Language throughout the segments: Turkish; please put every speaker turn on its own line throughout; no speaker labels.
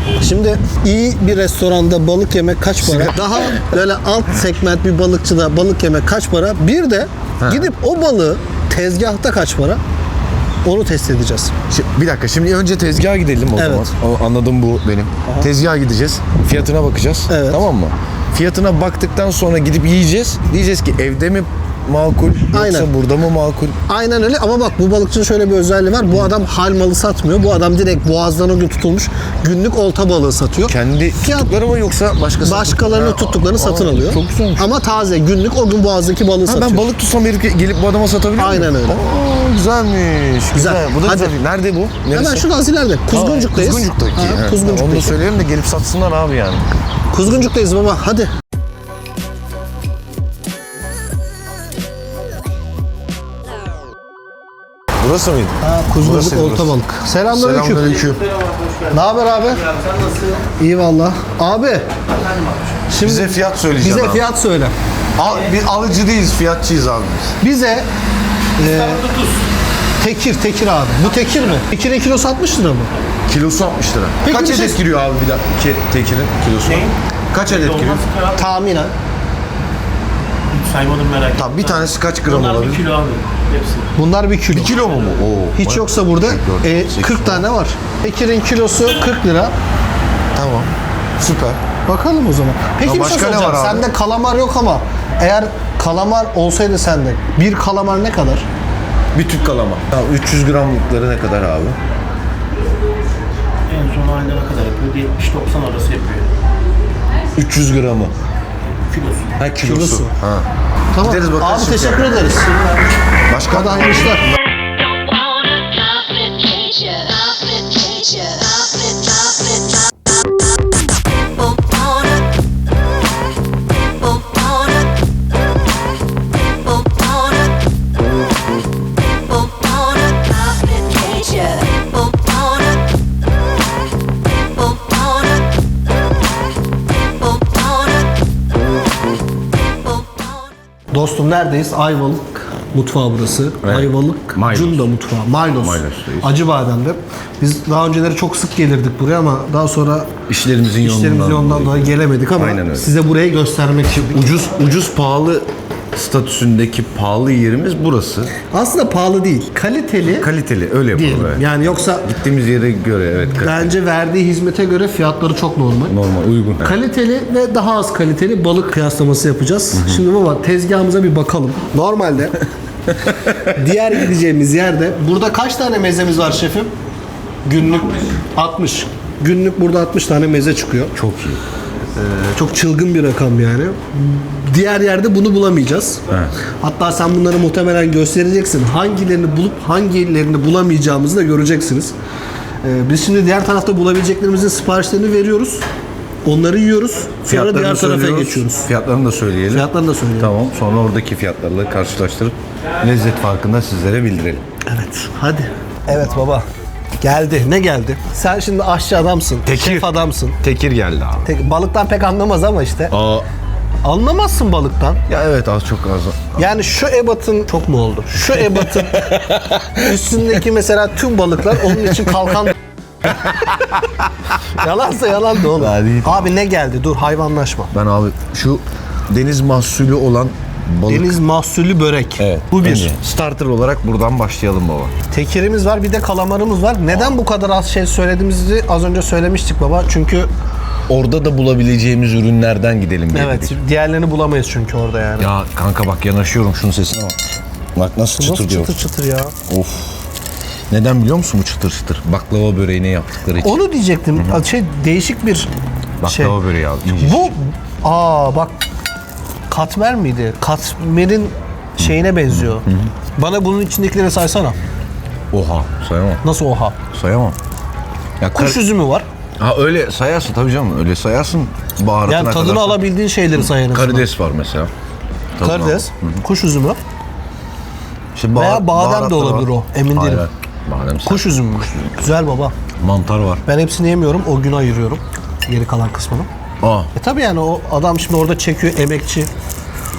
Şimdi iyi bir restoranda balık yemek kaç para? Daha böyle alt segment bir balıkçıda balık yemek kaç para? Bir de gidip o balığı tezgahta kaç para? Onu test edeceğiz.
Bir dakika, şimdi önce tezgaha gidelim o zaman. Anladım, bu benim. Tezgaha gideceğiz. Fiyatına bakacağız.
Evet.
Tamam mı? Fiyatına baktıktan sonra gidip yiyeceğiz. Diyeceğiz ki evde mi makul yoksa burada mı makul?
Aynen öyle ama bak bu balıkçının şöyle bir özelliği var. Bu adam hal malı satmıyor. Bu adam direkt boğazdan o gün tutulmuş günlük olta balığı satıyor.
Kendi tuttukları mı yoksa
başkalarının tuttuklarını satın alıyor.
Çok güzelmiş.
Ama taze günlük o gün boğazdaki balığı satıyor.
Ben balık tutsam gelip bu adama satabilir miyim?
Aynen öyle.
Güzelmiş. Güzel. Bu da
Hadi.
güzel. Nerede bu? Neresi?
Hemen şurada az ileride. Kuzguncuk'tayız.
Kuzguncuk'taki. Onu da
Kuzguncuk'tayız.
söyleyelim de gelip satsınlar abi yani.
Kuzguncuk'tayız baba. Hadi.
Burası mıydı?
Kuzguncuk
Burası,
olta
burası.
balık. Selamünaleyküm.
Selamünaleyküm.
Ne haber abi? İyi valla. Abi. Şimdi
Bize fiyat söyleyeceğim
bize
abi.
fiyat söyle.
Biz alıcı değiliz, fiyatçıyız abi biz.
Bize tekir abi. Bu tekir mi? Tekirin kilosu 60 lira mı?
Kilosu 60 lira.
Peki
Kaç
bir
adet
şey-
giriyor abi bir dakika tekirin kilosu? Kaç adet giriyor?
Tahminen.
Saymadım, merak ettim.
Tamam, bir tanesi kaç gram
Bunlar
olabilir?
1 kilo abi. Hepsi.
Bunlar 1 kilo.
1 kilo mu bu? Oo.
Hiç yoksa burada
8,
40 tane var. Tekirin kilosu 40 lira.
Tamam. Süper.
Bakalım o zaman. Peki
Ya
bir şey
başka ne
soracağım.
var abi?
Sende kalamar yok ama eğer kalamar olsaydı sende bir kalamar ne kadar?
Bir tüp kalama. Tamam, 300 gramlıkları ne kadar abi?
En son ayda ne kadar yapıyor? 70-90 arası yapıyor.
300 gramı.
Kilosu.
Ha, kilosu.
Kilosu.
Ha.
Tamam.
Gideriz bakarız
Abi
şimdi.
teşekkür ederiz.
Başka?
Hadi hayırlı işler.
Don't wanna complicate ya, complicate ya, complicate. Don't wanna complicate ya.
Dostum neredeyiz? Ayvalık mutfağı burası.
Evet.
Ayvalık
Maylos.
Cunda mutfağı. Maylos.
Maylos'tayız.
Acıbadem'de. Biz daha önceleri çok sık gelirdik buraya ama daha sonra
İşlerimizin
işlerimizden dolayı gelemedik ama
Aynen öyle.
size burayı göstermek için.
Ucuz pahalı statüsündeki pahalı yerimiz burası.
Aslında pahalı değil. Kaliteli
Kaliteli, öyle
diyelim.
yapalım. Evet.
Yani yoksa
Gittiğimiz yere göre evet kaliteli.
bence verdiği hizmete göre fiyatları çok normal.
Normal, uygun.
Kaliteli ve daha az kaliteli balık kıyaslaması yapacağız. Şimdi baba tezgahımıza bir bakalım. Normalde diğer gideceğimiz yerde burada kaç tane mezemiz var şefim? Günlük 60. Günlük burada 60 tane meze çıkıyor.
Çok iyi.
Çok çılgın bir rakam yani. Diğer yerde bunu bulamayacağız.
Evet.
Hatta sen bunları muhtemelen göstereceksin. Hangilerini bulup hangilerini bulamayacağımızı da göreceksiniz. Biz şimdi diğer tarafta bulabileceklerimizin siparişlerini veriyoruz. Onları yiyoruz. Sonra diğer tarafa
söylüyoruz.
geçiyoruz.
Fiyatlarını da söyleyelim.
Fiyatlarını da söyleyelim.
Tamam. Sonra oradaki fiyatlarla karşılaştırıp lezzet farkını da sizlere bildirelim.
Evet. Hadi. Evet baba. Geldi. Ne geldi? Sen şimdi aşçı adamsın. Şef adamsın.
Tekir geldi abi.
Balıktan pek anlamaz ama işte.
Aa,
Anlamazsın balıktan.
ya evet az çok az.
Yani şu ebatın çok mu oldu? Şu ebatın üstündeki mesela tüm balıklar onun için kalkan. Yalansa yalan da oğlum.
Daha değil.
Abi ne geldi? Dur hayvanlaşma.
Ben abi şu deniz mahsulü olan balık.
Deniz mahsulü börek.
Evet.
Bu bir.
önce starter olarak buradan başlayalım baba.
Tekirimiz var bir de kalamarımız var. Neden bu kadar az şey söylediğimizi az önce söylemiştik baba. Çünkü
Orada da bulabileceğimiz ürünlerden gidelim diye
evet
dedik.
diğerlerini bulamayız çünkü orada yani.
Ya kanka bak yanaşıyorum şunun sesine bak. Bak nasıl çıtır
Nasıl
diyor.
çıtır çıtır ya?
Of. Neden biliyor musun bu çıtır çıtır? Baklava böreğine yaptıkları için.
Onu diyecektim. Şey değişik bir şey.
Baklava böreği abi. ince.
Bu bak katmer miydi? Katmerin şeyine benziyor. Bana bunun içindekileri saysana.
Oha sayamam.
Nasıl oha?
Sayamam. Ya
Kuş üzümü var.
Ha öyle sayarsın tabii canım. Öyle sayarsın baharatına
Yani tadını
kadar.
alabildiğin şeyleri say en azından.
Karides var mesela. Tadını
Karides,
al.
kuş üzümü
İşte
veya badem de
baharatları
olabilir
var.
o. Emin
Hayır,
değilim.
Badem
Kuş üzümü. Güzel baba.
mantar var.
Ben hepsini yemiyorum. O gün ayırıyorum. Geri kalan kısmını.
Aa.
Tabii yani o adam şimdi orada çekiyor emekçi.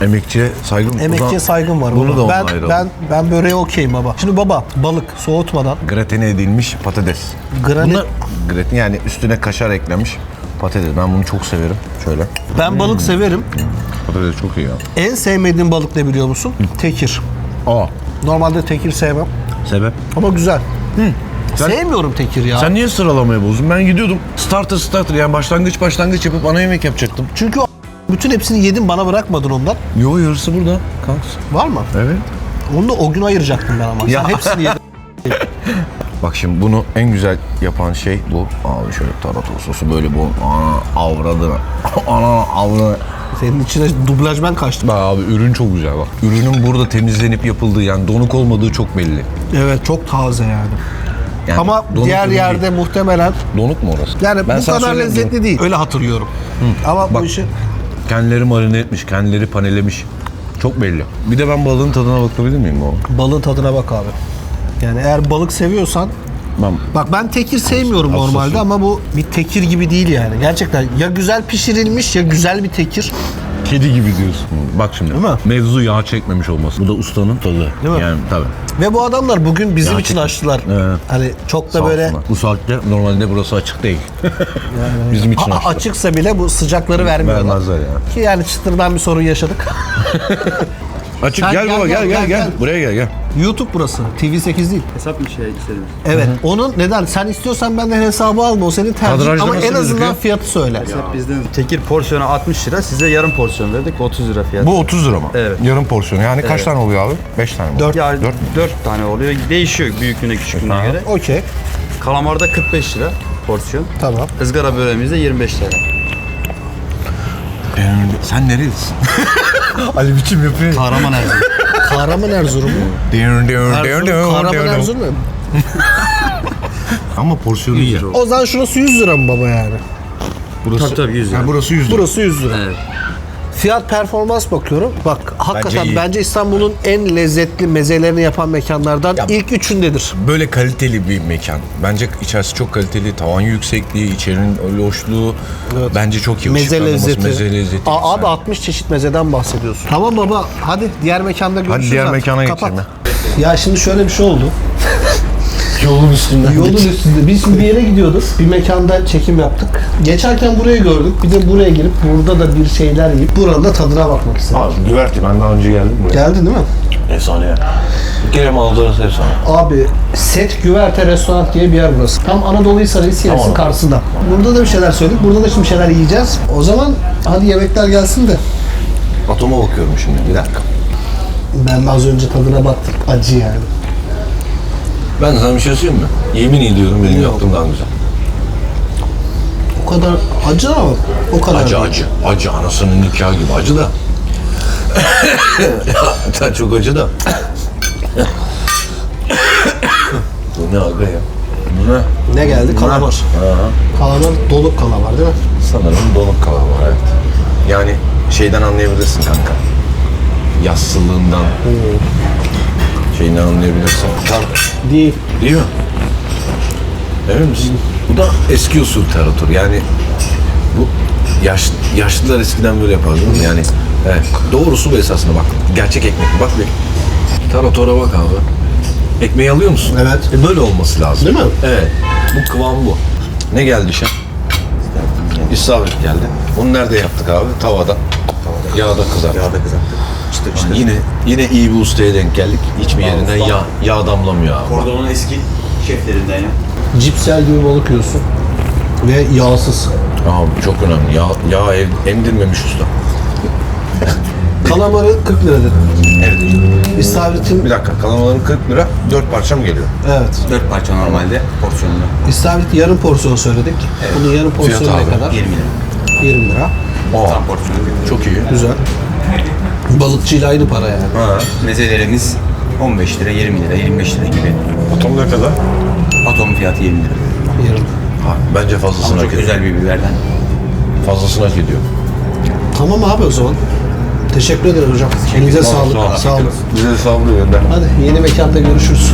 Emekçiye saygım.
Emekçiye saygım var.
Bunu
baba.
da onunla ayıralım.
ben böreğe okeyim baba. Şimdi baba balık soğutmadan
Gratine edilmiş patates. Bunlar gratin yani üstüne kaşar eklenmiş patates. Ben bunu çok severim. Şöyle.
Ben balık severim.
Patates çok iyi ya.
En sevmediğim balık ne biliyor musun? Tekir.
Aa.
Normalde tekir sevmem
Sebep?
ama güzel.
Sen-
Sevmiyorum tekir ya.
Sen niye sıralamayı bozdun? Ben gidiyordum. Starter yani başlangıç yapıp ana yemek yapacaktım.
Çünkü bütün hepsini yedin bana bırakmadın ondan.
Yo yarısı burada. Kalksın.
Var mı?
Evet.
Onu da o gün ayıracaktım ben ama.
Ya.
Sen hepsini yedin.
Bak şimdi bunu en güzel yapan şey bu. Abi şöyle tarator sosu böyle bu. Ana avradına. Ana avradına.
Senin içine dublaj ben kaçtım.
Bak abi ürün çok güzel bak. Ürünün burada temizlenip yapıldığı yani donuk olmadığı çok belli.
Evet çok taze yani.
Yani
Ama
donuk
diğer
ürün
yerde
değil.
muhtemelen
Donuk mu orası?
yani
Ben
bu
sana
kadar
söyleyeyim,
lezzetli
donuk.
değil. Öyle hatırlıyorum. Ama
Bak.
bu işi
Kendileri marine etmiş, kendileri panelemiş. Çok belli. Bir de ben balığın tadına bakabilir miyim bu?
balığın tadına bak abi. Yani eğer balık seviyorsan
Ben
bak ben tekir sevmiyorum
Hassasım.
normalde ama bu bir tekir gibi değil yani. Gerçekten ya güzel pişirilmiş ya güzel bir tekir.
kedi gibi diyorsun. Bak şimdi.
Değil mi?
Mevzu yağ çekmemiş olması. Bu da ustanın tadı.
Değil mi?
Yani tabii.
Ve bu adamlar bugün bizim için
Gerçekten.
açtılar.
Evet.
Hani çok da
Sağ
böyle
olsunlar. Bu saatte normalde burası açık değil. Bizim için açtılar.
açıksa bile bu sıcakları vermiyorlar.
Vermezler ya.
Ki yani çıtırdan bir sorun yaşadık.
Açık
Sen
gel baba gel. Buraya gel.
YouTube burası. TV8 değil.
Hesap mı şey istedim?
Evet. Onun neden? Sen istiyorsan benden hesabı alma. O senin tercihin.
Kadrajda
Ama
nasıl
en azından
gözüküyor?
fiyatı söyle.
Bizden tekir porsiyonu 60 lira, size yarım porsiyon verdik 30 lira fiyat.
Bu 30 lira mı?
Evet.
Yarım porsiyon. Yani kaç tane oluyor abi? 5 tane mi?
4.
Yani
4
4 tane oluyor. Değişiyor büyüklüğüne küçüklüğüne
Aha.
göre.
Okey.
Kalamarda 45 lira porsiyon.
Tamam.
Izgara böreğimizde 25 lira.
Sen nerelisin? Ali biçim yapıyor.
Kahraman Erzurum.
Kahraman Erzurum mu? Kahraman Erzurum mu?
Ama porsiyonu iyi.
O zaman şurası 100 lira mı baba yani?
Burası,
Tabii 100 lira.
Ha, burası 100 lira.
Burası 100 lira.
Evet.
Fiyat performans bakıyorum. Bak hakikaten
iyi.
bence İstanbul'un en lezzetli mezelerini yapan mekanlardan ilk üçündedir.
Böyle kaliteli bir mekan. Bence içerisi çok kaliteli. Tavan yüksekliği, içerinin öyle hoşluğu.
Evet.
Bence çok iyi.
Meze
Işıklandırması,
lezzeti.
Meze lezzeti.
Abi
güzel.
60 çeşit mezeden bahsediyorsun. Tamam baba hadi diğer mekanda görüşürüz.
Hadi diğer
artık.
mekana
Kapat.
geçelim
Ya şimdi şöyle bir şey oldu.
Yolun üstünden.
Yolun üstünde. Biz şimdi bir yere gidiyorduk. Bir mekanda çekim yaptık. Geçerken burayı gördük. Bir de buraya girip burada da bir şeyler yiyip buranın da tadına bakmak istedim.
Abi güverti. Ben daha önce geldim buraya.
Geldin değil mi?
Efsane ya. Bir kere manzarası efsane.
Abi Set Güverte Restoran diye bir yer burası. Tam Anadolu Hisarı İskelesi'nin
Tamam.
karşısında. Burada da bir şeyler söyledik. Burada da şimdi bir şeyler yiyeceğiz. O zaman hadi yemekler gelsin de.
Atoma bakıyorum şimdi. Bir dakika.
Ben de az önce tadına baktım. Acı yani.
Ben sana bir şey söyleyeyim mi? Yemin ediyorum benim yaptığım daha güzel.
O kadar acı ama o kadar.
Acı
değil.
acı. Acı anasının nikahı gibi acı da. Sen çok acı da. Bu ne aga ya? Bu ne?
Ne geldi? Kalamar.
Aha.
Kalamar dolu kalamar değil mi?
Sanırım donuk kalamar evet. Yani şeyden anlayabilirsin kanka. Yassılığından. Şeyinden anlayabilirsin.
Değil.
Değil mi? Emin misin? Bu da eski usul tarator. Yani bu yaşlılar eskiden böyle yapardı değil mi? Yani evet. Doğrusu bu esasında bak. Gerçek ekmek. Bak bir. Taratora bak abi. Ekmeği alıyor musun?
Evet.
Böyle olması lazım.
Değil mi?
Evet. Bu kıvam bu. Ne geldi şef? İstavrit geldi. Bunu nerede yaptık abi? Tavada. Yağda kızarttık.
Yağda kızarttık. İşte
Yine iyi bir ustaya denk geldik. Hiçbir yerinden yağ damlamıyor abi.
Kordon'un eski şeflerinden ya.
Cipsel gibi balık yiyorsun. Ve yağsız.
Abi çok önemli. Yağ emdirmemiş usta.
Kalamarı 40 lira dedim.
Evet.
İstavrit'in
Bir dakika. Kalamaların 40 lira. 4 parça mı geliyor?
evet.
4 parça normalde porsiyonlu.
İstavrit yarım porsiyon söyledik. Bunun yarım porsiyonu
Fiyat
ne
abi,
kadar?
20 lira.
20 lira.
Tam porsiyonu.
Çok iyi.
Güzel. Balıkçıyla aynı para yani.
Ha.
Mezelerimiz 15 lira, 20 lira, 25 lira gibi.
Atom ne kadar?
Atom fiyatı 20 lira.
Yarım.
Ha, bence fazlasını
Ama
hak
çok
ediyor.
özel bir biberden.
Fazlasını hak ediyor.
Tamam abi o zaman. Teşekkür ederim hocam. Elinize sağlık. Sağ olun.
Bize sağlığı gönder.
Hadi yeni mekanda görüşürüz.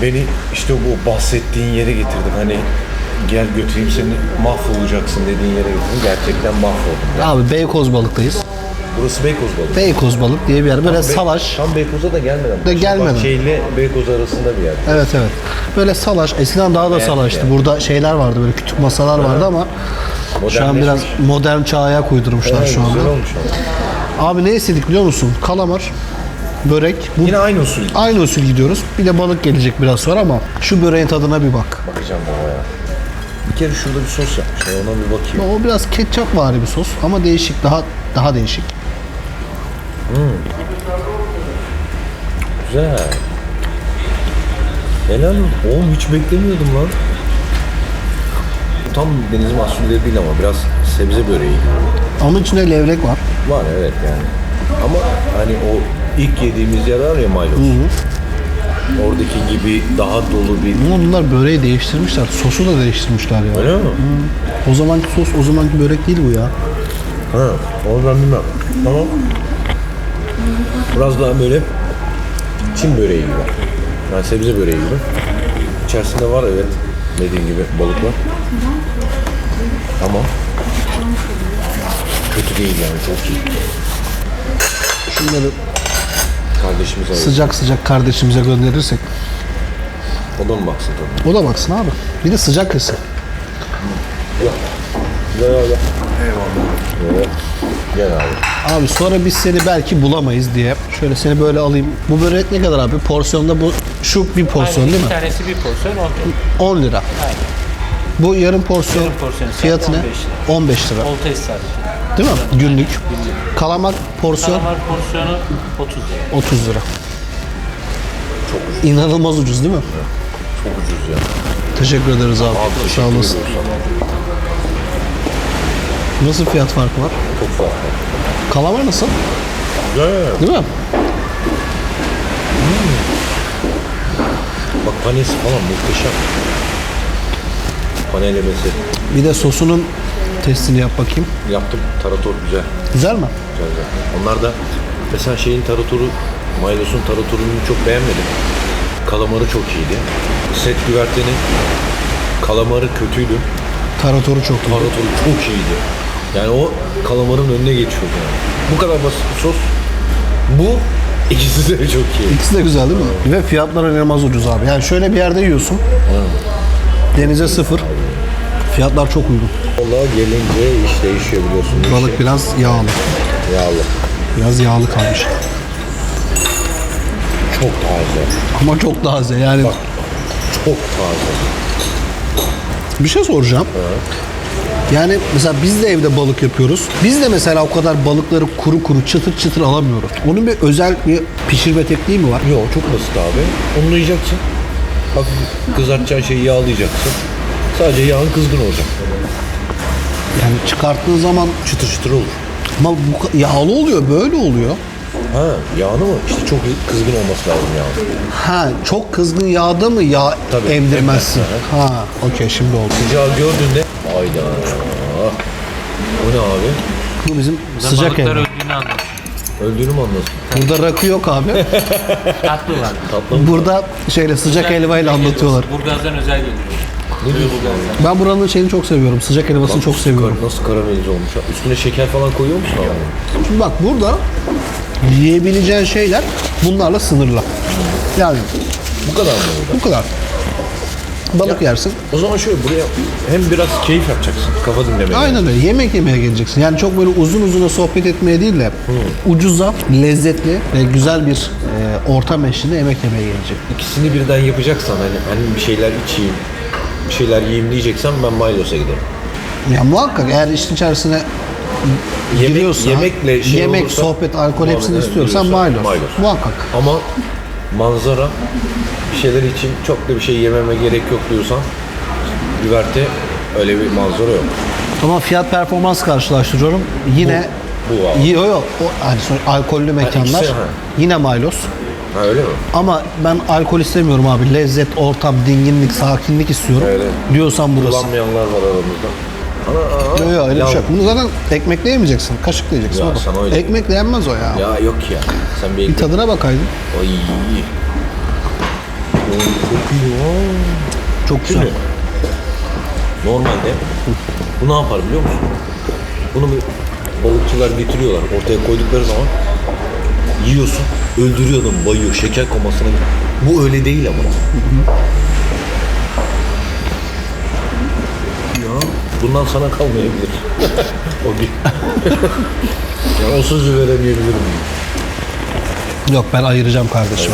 beni işte bu bahsettiğin yere getirdin. Hani gel götüreyim seni, mahvolacaksın dediğin yere getirdin. Gerçekten mahvoldum. Ya.
Abi Beykoz balıktayız.
Burası Beykoz balığı.
Beykoz balık diye bir yer. Böyle salaş.
Tam Beykoz'a da gelmeden.
De gelmeden.
Bahçeyle Beykoz arasında bir yer.
Evet evet. Böyle salaş. Eskiden daha da salaştı.
yani.
Burada şeyler vardı, böyle küçük masalar vardı ama şu an biraz
Modernleşmiş.
modern çağa ayak uydurmuşlar
Evet,
şu anda.
güzel olmuş ama.
Abi ne istedik biliyor musun? Kalamar, börek. Bu
Yine aynı usul.
aynı usul gidiyoruz. Bir de balık gelecek biraz sonra ama şu böreğin tadına bir bak.
Bakacağım baba ya. Bir kere şurada bir sos yapmışlar. Ona bir bakayım.
O biraz ketçap vari bir sos ama değişik, daha değişik.
Güzel. Helal olsun. Oğlum hiç beklemiyordum lan. Tam deniz mahsulleri değil ama biraz sebze böreği gibi.
Onun içinde levrek var.
Var evet yani. Ama hani o ilk yediğimiz yer var ya Maylos. Oradaki gibi daha dolu bir...
Ama bunlar böreği değiştirmişler. Sosu da değiştirmişler ya.
Öyle mi?
O zamanki sos, o zamanki börek değil bu ya.
Ha, onu ben bilmem. Tamam. Biraz daha böyle Çin böreği gibi. Yani sebze böreği gibi. İçerisinde var evet dediğin gibi balık var. Ama kötü değil yani çok iyi.
Şunları
Kardeşimize ayır.
sıcak sıcak kardeşimize gönderirsek.
O da mı baksın tabii?
O da baksın abi. Bir de sıcak yesin.
Gel abi. Eyvallah. Evet. Gel abi.
Abi sonra biz seni belki bulamayız diye. Şöyle seni böyle alayım. Bu börek ne kadar abi? Porsiyonda bu şu bir porsiyon değil mi?
Bir tanesi bir porsiyon
10 lira.
Aynen.
Bu yarım porsiyon,
Yarım porsiyon
fiyatı ne?
15 lira.
15 lira.
Olta istavrit.
Değil mi? Günlük. Kalamar porsiyon
Kalamar porsiyonu 30 lira.
30 lira. Çok ucuz. İnanılmaz ucuz değil mi?
Çok ucuz ya.
Teşekkür ederiz abi. Sağ olasın.
ediyoruz sana.
Nasıl fiyat farkı var?
Çok farklı.
Kalamar nasıl?
Güzel.
Değil mi?
Bak panesi falan muhteşem. Panelemesi.
Bir de sosunun testini yap bakayım.
Yaptım. Tarator güzel.
Güzel mi?
Güzel güzel. Onlar da mesela şeyin taratoru, Maylos'un taratorunu çok beğenmedim. Kalamarı çok iyiydi. Set güvertenin kalamarı kötüydü.
Taratoru çok iyi.
Taratoru çok iyiydi. Yani o kalamarın önüne geçiyordu yani. Bu kadar basit bir sos. Bu ikisi de çok iyi.
İkisi de güzel değil mi? Ve fiyatlar inanılmaz ucuz abi. Yani şöyle bir yerde yiyorsun. Denize sıfır. Fiyatlar çok uygun.
Vallahi gelince iş değişiyor biliyorsun.
Balık biraz yağlı.
Yağlı.
Biraz yağlı kalmış.
Çok taze.
Ama çok taze yani.
Bak. Çok taze.
Bir şey soracağım. Yani mesela biz de evde balık yapıyoruz. Biz de mesela o kadar balıkları kuru kuru çıtır çıtır alamıyoruz. Onun bir özel bir pişirme tekniği mi var?
Yok çok basit abi. Unlayacaksın. Hafif kızartacağın şeyi yağlayacaksın. Sadece yağın kızgın olacak.
Yani çıkarttığın zaman
Çıtır çıtır olur.
ama bu yağlı oluyor, böyle oluyor.
Ha yağını mı? İşte çok kızgın olması lazım yağın.
Ha, çok kızgın yağda mı yağ
Tabii,
emdirmezsin?
emmez,
Ha, okey şimdi oldu.
Sıcağı gördüğünde hayda. Bu ne abi?
Bu bizim sıcak
Balıklar
ev.
öldüğünü anlasın.
Öldüğünü mü anlasın?
Burada rakı yok abi.
Tatlılar.
Tatlı mı?
Burada şeyle sıcak helvayla anlatıyorlar.
Burgaz'dan özel geliyor.
Ne diyorsun?
Ben buranın şeyini çok seviyorum. Sıcak helvasını çok seviyorum.
Nasıl karamelize olmuş ya? Üstüne şeker falan koyuyor musun abi?
Şimdi bak burada yiyebileceğin şeyler bunlarla sınırlı. Yani
Bu kadar mı burada?
bu kadar. Balık yersin.
O zaman şöyle buraya hem biraz keyif yapacaksın. Kafa dinlemeye.
Aynen öyle. Yemek yemeye geleceksin. Yani çok böyle uzun uzun sohbet etmeye değil de ucuza, lezzetli ve güzel bir ortam eşliğinde yemek yemeye gelecek.
İkisini birden yapacaksan hani bir şeyler içeyim, bir şeyler yiyeyim diyeceksen ben Maylos'a giderim.
Ya muhakkak eğer işin içerisine giriyorsa,
yemekle şey
yemek,
olursa,
sohbet, alkol hepsini
muhabbet
istiyorsan
giriyorsa
Maylos. Muhakkak.
Ama manzara bir şeyler için çok da bir şey yememe gerek yok diyorsan güverte öyle bir manzara yok.
Ama fiyat performans karşılaştırıyorum. Yine
bu abi.
yok. O hani alkollü mekanlar
ikisi, ha.
yine Maylos.
Ha öyle mi?
Ama ben alkol istemiyorum abi. Lezzet, ortam, dinginlik, sakinlik istiyorum.
Öyle.
Diyorsan burası.
Kullanmayanlar var aramızda.
Yok öyle
Ya-
bir şey yok. Bunu zaten ekmekle yemeyeceksin. Kaşıkla yiyeceksin.
Ya
baba.
sana öyle.
Ekmekle yenmez o ya.
Ya yok ya. Sen bir
Bir tadına bakaydın.
Ay.
Çok güzel.
Şimdi normalde bu ne yapar biliyor musun? Bunu bir balıkçılar getiriyorlar. Ortaya koydukları zaman yiyorsun. Öldürüyor adamı, bayıyor. Şeker komasına. Bu öyle değil ama. Ya bundan sana kalmayabilir. O gün. Ya o sözü veremeyebilirim.
Yok ben ayıracağım kardeşim.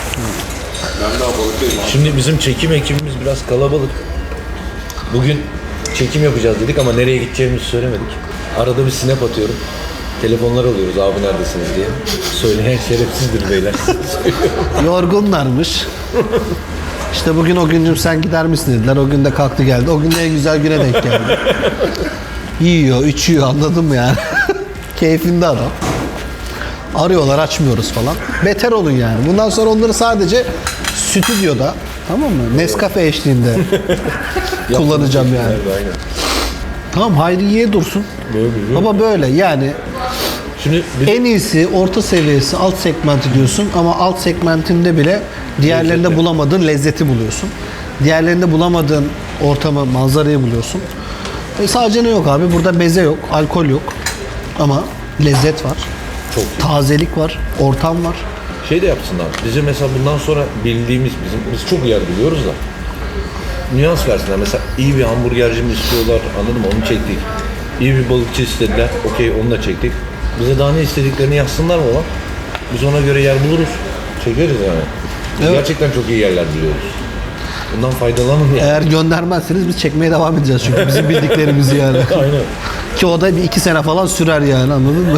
Şimdi bizim çekim ekibimiz biraz kalabalık. Bugün çekim yapacağız dedik ama nereye gideceğimizi söylemedik. Arada bir snap atıyorum. Telefonlar alıyoruz abi neredesiniz diye. Söyleyen şerefsizdir beyler.
Yorgunlarmış. İşte bugün o güncüm sen gider misin dediler. O gün de kalktı geldi. O gün de en güzel güne denk geldi. Yiyor, içiyor anladın mı yani? Keyfinde adam. Arıyorlar açmıyoruz falan. Beter olun yani. Bundan sonra onları sadece stüdyoda tamam mı? Nescafe eşliğinde kullanacağım yani.
Aynen.
Tamam Hayriye dursun. Ama böyle yani
Şimdi
en iyisi orta seviyesi alt segmenti diyorsun ama alt segmentinde bile diğerlerinde bulamadığın lezzeti buluyorsun. Diğerlerinde bulamadığın ortamı, manzarayı buluyorsun. Sadece ne yok abi? Burada meze yok, alkol yok ama lezzet var.
çok
Tazelik var, ortam var.
şey de yapsınlar. Bize mesela bundan sonra bildiğimiz biz çok yer biliyoruz da nüans versinler. Mesela iyi bir hamburgerci mi istiyorlar anladın mı? Onu çektik. İyi bir balıkçı istediler. Okey onu da çektik. Bize daha ne istediklerini yazsınlar mı olan? Biz ona göre yer buluruz. Çekeriz yani. Biz
Evet.
gerçekten çok iyi yerler biliyoruz. Bundan faydalanın yani.
Eğer göndermezseniz biz çekmeye devam edeceğiz çünkü bizim bildiklerimizi yani.
Aynen.
Ki o da bir 2 sene falan sürer yani anladın mı?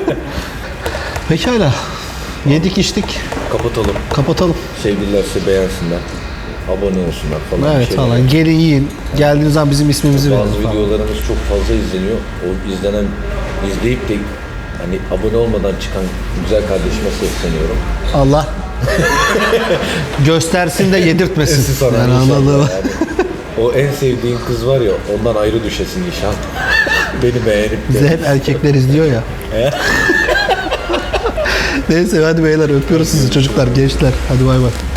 Pekala. Yedik içtik.
Kapatalım.
Kapatalım.
Sevgililerse beğensinler. Abone olsunlar falan.
Evet
bir şeyler.
falan. Gelin yiyin. Geldiğiniz zaman bizim ismimizi verin
Bazı
falan.
videolarımız çok fazla izleniyor. O izleyip de hani abone olmadan çıkan güzel kardeşime sesleniyorum.
Allah göstersin de yedirtmesin.
Siz sana
Yani
inşallah
anladın mı?
yani. O en sevdiğin kız var ya ondan ayrı düşesin inşallah. Beni beğenip
Bizi
de.
hep erkekler izliyor ya. Neyse hadi beyler öpüyoruz sizi çocuklar, gençler. Hadi bay bay.